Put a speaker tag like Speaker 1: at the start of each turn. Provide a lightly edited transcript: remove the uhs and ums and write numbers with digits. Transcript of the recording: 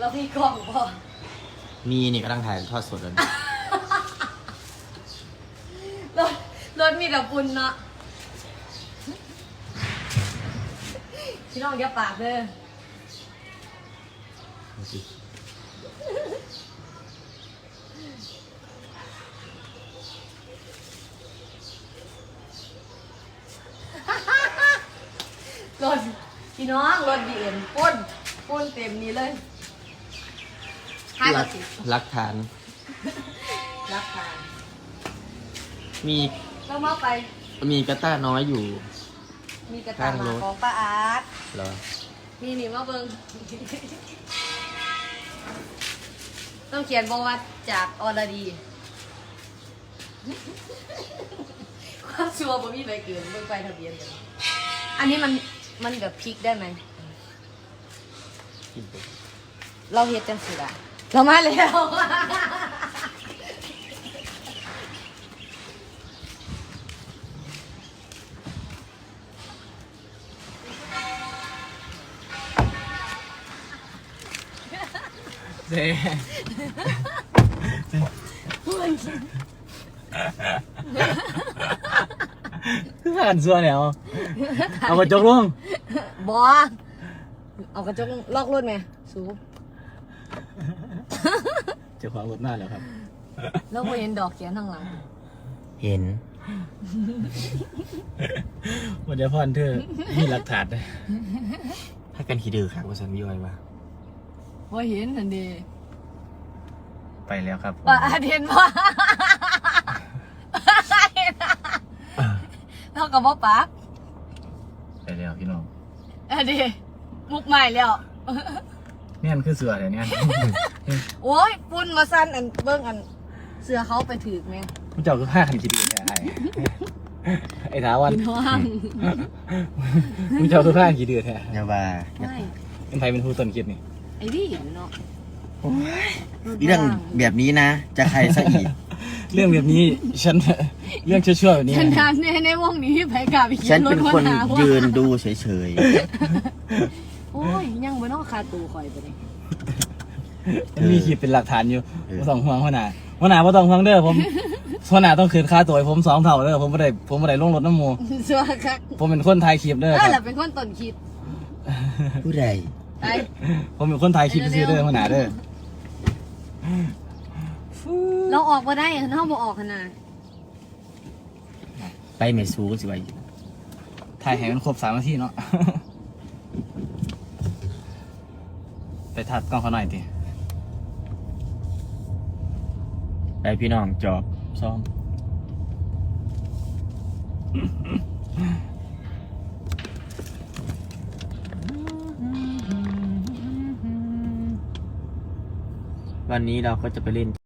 Speaker 1: เรามีกล้องพอ
Speaker 2: มีนี่กำลังถ่ายทอดสดเลย
Speaker 1: รถมีแต่ปุ่นเนาะพี่น้องอย่าปากเด้อรถพี่น้องรถบีเอ็มปุ้นเต็มนี้เลย
Speaker 2: รักฐานมี
Speaker 1: ต้องมาไป
Speaker 2: มีกระต้าน้อยอยู่
Speaker 1: มีกระตามาของป้าอาร์ต
Speaker 2: เหรอ
Speaker 1: นี่มาเบิ่งต้องเขียนบอกว่าจากอรดีความชัวร์บ่มีใบเกินเบิ่งไปทะเบียนเลยอันนี้มันแบบพลิกได้ไหมเราเฮ็ดจังสิล่ะเรามาแล้ว
Speaker 2: เจ๊คือผ่านส่วนเนี่ยเอากระจกลง
Speaker 1: บอเอากระจกล็อกรถไหมสูบ
Speaker 2: จะขวางรถหน้าแล้วครับ
Speaker 1: แล้วเห็นดอกเขียนข้างหลัง
Speaker 2: เห็นวันเดียวพ่อนเธอมีหลักฐานเลยให้กันขี้ดื้อครับว่าฉันย่อยว่า
Speaker 1: เห็นนั่นดี
Speaker 2: ไปแล้วครับ
Speaker 1: ว่าเห็นว่าเรากับว่าปัก
Speaker 2: ไปแล้วพี่น้อง
Speaker 1: ดีมุกใหม่แล้ว
Speaker 2: เนี่ยมันคือเสือเดี๋ยวนี้
Speaker 1: โอ้ยปุ่นมาสั้นอันเบิ้งอันเสือเขาไปถือไหม
Speaker 2: ผู้เจ้าคือผ้าขันขี้ดื้อแท้ไอ้ท้าวันผู้เจ้าคือผ้าขี้ดื้อแท้
Speaker 3: อย่าว่า
Speaker 2: เป็นใครเป็นผู้ต้นคิดนี่
Speaker 1: ไอ้ดิเนาะ
Speaker 3: เรื่องแบบนี้นะจะใครซะอีก
Speaker 2: เรื่องแบบนี้ฉันเรื่องชั่วๆแบบนี้
Speaker 1: ฉันทานในวงนี้ไปกับอีก
Speaker 3: ฉันเป็นคนยืนดูเฉย
Speaker 1: ๆโอ้ยยังไม่ต้องคาตูคอยไปเลย
Speaker 2: มีคลิปเป็นหลักฐานอยู่ไม่ต้องห่วงหัวหน้าไม่ต้องห่วงเด้อผมหัวหน้าต้องคืนค่าตัวผม2 เท่าเด้อผมไม่ได้ลงรถน้ำมู
Speaker 1: ชัวร์ครับ
Speaker 2: ผมเป็นคนถ่ายคลิปเด้อ
Speaker 1: เราเป็นคนต้นคลิป
Speaker 3: ผู้ใด
Speaker 2: ผมเป็นคนถ่ายคลิปซื้อเด้อหัวหน้าเด้อ
Speaker 1: เราออกมาได้เขาบอกออกขนาด
Speaker 3: ไปเมซูสิไว้
Speaker 2: ถ่ายให้มันครบ3 นาทีเนาะไปทัดกล้องเขาหน่อยดิ
Speaker 3: ไปพี่น้องจอบซ้อมวันนี้เราก็จะไปเล่น